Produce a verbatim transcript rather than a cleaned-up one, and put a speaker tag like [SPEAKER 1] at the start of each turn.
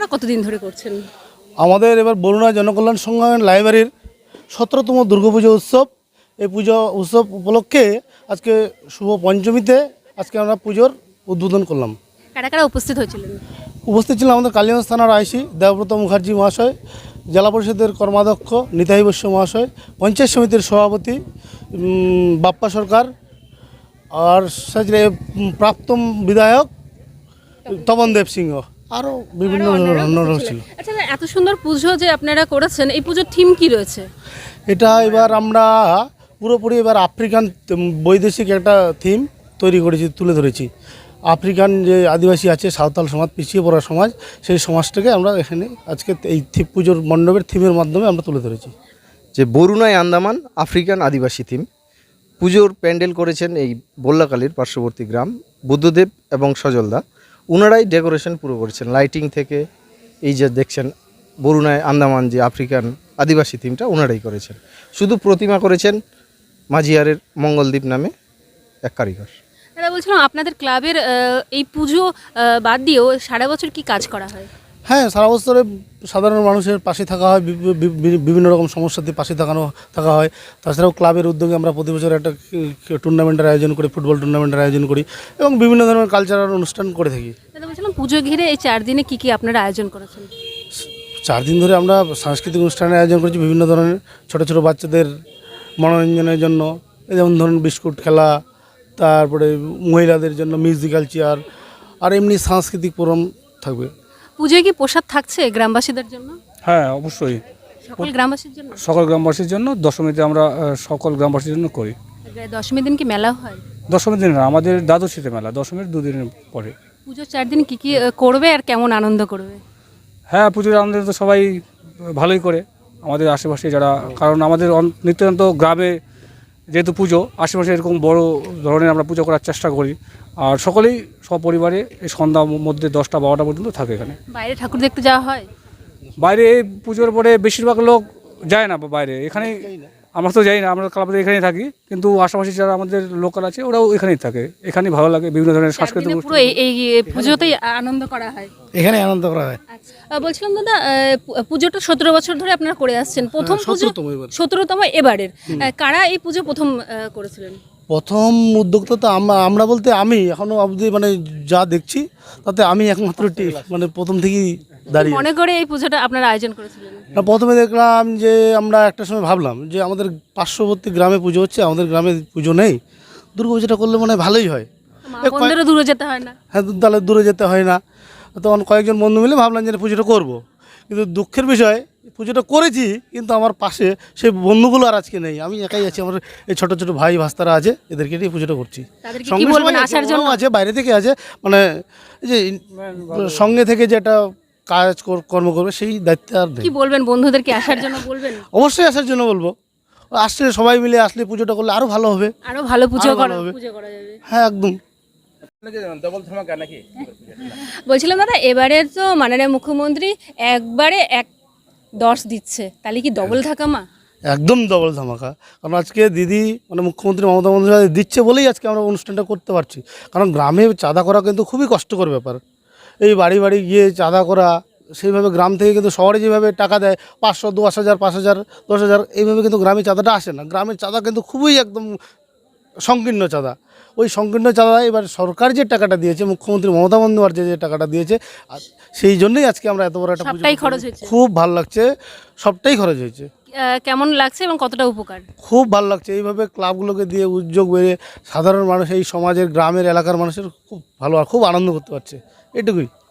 [SPEAKER 1] আপনারা কতদিন ধরে করছেন?
[SPEAKER 2] আমাদের এবার বরুণা জনকল্যাণ সংঘ লাইব্রেরির সতেরোতম দুর্গাপুজো উৎসব। এই পুজো উৎসব উপলক্ষে আজকে শুভ পঞ্চমীতে আজকে আমরা পুজোর উদ্বোধন করলাম।
[SPEAKER 1] কারা কারা উপস্থিত হয়েছিলেন?
[SPEAKER 2] উপস্থিত ছিলাম আমাদের কালীগঞ্জ থানার আইসি দেবব্রত মুখার্জি মহাশয়, জেলা পরিষদের কর্মাধ্যক্ষ নিতাই বৈশ্য মহাশয়, পঞ্চায়েত সমিতির সভাপতি উম, বাপ্পা সরকার, আর সাথে প্রাক্তন বিধায়ক তপন দেব সিংহ, আরও বিভিন্ন অন্যরা ছিল।
[SPEAKER 1] আচ্ছা, এত সুন্দর পুজো যে আপনারা করেছেন, এই পুজোর থিম কি রয়েছে?
[SPEAKER 2] এটা এবার আমরা পুরোপুরি এবার আফ্রিকান বৈদেশিক একটা থিম তৈরি করেছি, তুলে ধরেছি। আফ্রিকান যে আদিবাসী আছে, সাঁওতাল সমাজ, পিছিয়ে পড়া সমাজ, সেই সমাজটাকে আমরা এখানে আজকে এই থিম পুজোর মণ্ডপের থিমের মাধ্যমে আমরা তুলে ধরেছি।
[SPEAKER 3] যে বরুণায় আন্দামান আফ্রিকান আদিবাসী থিম পুজোর প্যান্ডেল করেছেন এই বল্লাকালীর পার্শ্ববর্তী গ্রাম বুদ্ধদেব এবং সজলদা। ওনারাই ডেকোরেশন পুরো করেছেন, লাইটিং থেকে এই যে দেখছেন বরুণায় আন্দামান যে আফ্রিকান আদিবাসী থিমটা ওনারাই করেছেন। শুধু প্রতিমা করেছেন মাঝিয়ারের মঙ্গলদ্বীপ নামে এক কারিগর।
[SPEAKER 1] দাদা, বলছিলাম আপনাদের ক্লাবের আহ, এই পুজো আহ, বাদ দিয়েও সারা বছর কি কাজ করা হয়?
[SPEAKER 2] হ্যাঁ, সারা বছরে সাধারণ মানুষের পাশে থাকা হয়, বি- বি- বি- বিভিন্ন রকম সমস্যাতে পাশে থাকানো থাকা হয়। তাছাড়াও ক্লাবের উদ্যোগে আমরা প্রতি বছর একটা টুর্নামেন্টের আয়োজন করি, ফুটবল টুর্নামেন্টের আয়োজন করি এবং বিভিন্ন ধরনের কালচারাল অনুষ্ঠান করে থাকি।
[SPEAKER 1] দাদা, বলছিলাম পুজো ঘিরে এই চার দিনে কি কি আপনারা আয়োজন করেছেন?
[SPEAKER 2] চার দিন ধরে আমরা সাংস্কৃতিক অনুষ্ঠানের আয়োজন করেছি, বিভিন্ন ধরনের ছোট ছোট বাচ্চাদের মনোরঞ্জনের জন্য, এই যেমন ধরুন বিস্কুট খেলা, তারপরে মহিলাদের জন্য মিউজিক্যাল চেয়ার, আর এমনি সাংস্কৃতিক প্রোগ্রাম থাকবে।
[SPEAKER 1] পুজোয় কি প্রসাদ থাকছে গ্রামবাসীদের জন্য?
[SPEAKER 4] হ্যাঁ, অবশ্যই
[SPEAKER 1] সকল গ্রামবাসীর জন্য?
[SPEAKER 4] সকল গ্রামবাসীর জন্য। দশমীতে আমরা আহ, সকল গ্রামবাসীর জন্য করি।
[SPEAKER 1] দশমীর দিন কি মেলা হয়?
[SPEAKER 4] দশমীর দিন না, আমাদের দ্বাদশীতে মেলা, দশমীর দুদিনের পরে।
[SPEAKER 1] পুজোর চার দিন কি কি আহ, করবে আর কেমন আনন্দ করবে?
[SPEAKER 4] হ্যাঁ, পুজোর আমাদের তো সবাই ভালোই করে, আমাদের আশেপাশে যারা, কারণ আমাদের অন- নিত্যান্ত গ্রামে যেহেতু পুজো, আশেপাশে এরকম বড় ধরনের আমরা পুজো করার চেষ্টা করি। আর সকলেই সপরিবারে এই সন্ধ্যার মধ্যে দশটা বারোটা পর্যন্ত থাকে এখানে।
[SPEAKER 1] বাইরে ঠাকুর দেখতে যাওয়া হয়?
[SPEAKER 4] বাইরে এই পুজোর পরে বেশিরভাগ লোক যায় না বাইরে, এখানেই আমরা তো যাই না, আমরা ক্লাবে এখানেই থাকি, কিন্তু আশেপাশে যারা আমাদের লোকাল আছে ওরাও এখানেই থাকে। এখানেই ভালো লাগে, বিভিন্ন ধরনের
[SPEAKER 1] চার
[SPEAKER 4] সাংস্কৃতিক
[SPEAKER 1] দিনে পুরো এই এই পুজোতেই আনন্দ করা হয়।
[SPEAKER 2] এখানে আনন্দ করা হয়।
[SPEAKER 1] আচ্ছা, বলছিলাম দাদা, আহ, পু- পুজোটা সতেরো বছর ধরে আপনারা করে আসছেন, প্রথম পুজো
[SPEAKER 2] সতেরোতম এবার।
[SPEAKER 1] সতেরোতম এবারের। আহ, কারা এই পুজো প্রথম আহ, করেছিলেন?
[SPEAKER 2] প্রথম উদ্যোক্তা তো আমরা আমরা বলতে আমি এখনও অবধি মানে যা দেখছি তাতে আমি একমাত্র টি- মানে প্রথম থেকেই দাঁড়িয়ে
[SPEAKER 1] মনে করে এই পুজোটা আপনারা আয়োজন করেছিলেন?
[SPEAKER 2] না, প্রথমে দেখলাম যে আমরা একটা সময় ভাবলাম যে আমাদের পার্শ্ববর্তী গ্রামে পুজো হচ্ছে, আমাদের গ্রামে পুজো নেই, দুর্গা পুজোটা করলে মনে হয় ভালোই হয়।
[SPEAKER 1] মা বোনদেরও দূরে যেতে হয় না?
[SPEAKER 2] হ্যাঁ, তাহলে দূরে যেতে হয় না। তখন কয়েকজন বন্ধু মিলে ভাবলাম যে পুজোটা করব, কিন্তু দুঃখের বিষয় পুজোটা করেছি কিন্তু আমার পাশে সেই বন্ধুগুলো আর আজকে নেই, আমি একাই আছি। আমার এই ছোটো ছোটো ভাই ভাস্তারা আছে, এদেরকে নিয়ে পুজোটা করছি।
[SPEAKER 1] তাদেরকে কি
[SPEAKER 2] সঙ্গে
[SPEAKER 1] বলবেন
[SPEAKER 2] সবাই আছে,
[SPEAKER 1] আসার জন্য?
[SPEAKER 2] ওরাও আছে, বাইরে থেকে আছে, মানে এই যে সঙ্গে থেকে যে একটা কাজ কর- কর্ম করবে সেই দায়িত্ব আর নেই।
[SPEAKER 1] কি বলবেন বন্ধুদেরকে আসার জন্য বলবেন?
[SPEAKER 2] অবশ্যই আসার জন্য বলবো, আসলে সবাই মিলে আসলে পুজোটা করলে আরও ভালো হবে।
[SPEAKER 1] আরো ভালো পুজো
[SPEAKER 2] আরো
[SPEAKER 1] করা
[SPEAKER 2] ভালো হবে।
[SPEAKER 1] পুজো করা যাবে।
[SPEAKER 2] হ্যাঁ, একদম।
[SPEAKER 1] বলছিলাম দাদা, এবারে তো মাননীয় মুখ্যমন্ত্রী একবারে এক দশ দিচ্ছে, তাহলে কি ডবল ধাকামা?
[SPEAKER 2] একদম ডবল ধামাকা, কারণ আজকে দিদি মানে মুখ্যমন্ত্রী মমতা বন্দ্যোপাধ্যায় দিচ্ছে বলেই আজকে আমরা অনুষ্ঠানটা করতে পারছি। কারণ গ্রামে চাঁদা করা কিন্তু খুবই কষ্টকর ব্যাপার, এই বাড়ি বাড়ি গিয়ে চাঁদা করা, সেইভাবে গ্রাম থেকে কিন্তু শহরে যেভাবে টাকা দেয় পাঁচশো দশ হাজার পাঁচ হাজার দশ হাজার এইভাবে কিন্তু গ্রামে চাঁদাটা আসে না। গ্রামের চাঁদা কিন্তু খুবই একদম সংকীর্ণ চাঁদা। ওই সংকীর্ণ চাঁদা এবার সরকার যে টাকাটা দিয়েছে, মুখ্যমন্ত্রী মমতা বন্দ্যোপাধ্যায় যে টাকাটা দিয়েছে, আর সেই জন্যই আজকে আমরা এত বড় একটা পুজো
[SPEAKER 1] সবটাই
[SPEAKER 2] করতে
[SPEAKER 1] খরচ
[SPEAKER 2] পেরেছি।
[SPEAKER 1] হয়েছে?
[SPEAKER 2] খুব ভালো লাগছে, সবটাই খরচ হয়েছে।
[SPEAKER 1] আহ, কেমন লাগছে এবং কতটা উপকার?
[SPEAKER 2] খুব ভালো লাগছে, এইভাবে ক্লাবগুলোকে দিয়ে উদ্যোগ বেড়ে সাধারণ মানুষ, এই সমাজের গ্রামের এলাকার মানুষের খুব ভালো, খুব আনন্দ করতে পারছে, এটুকুই।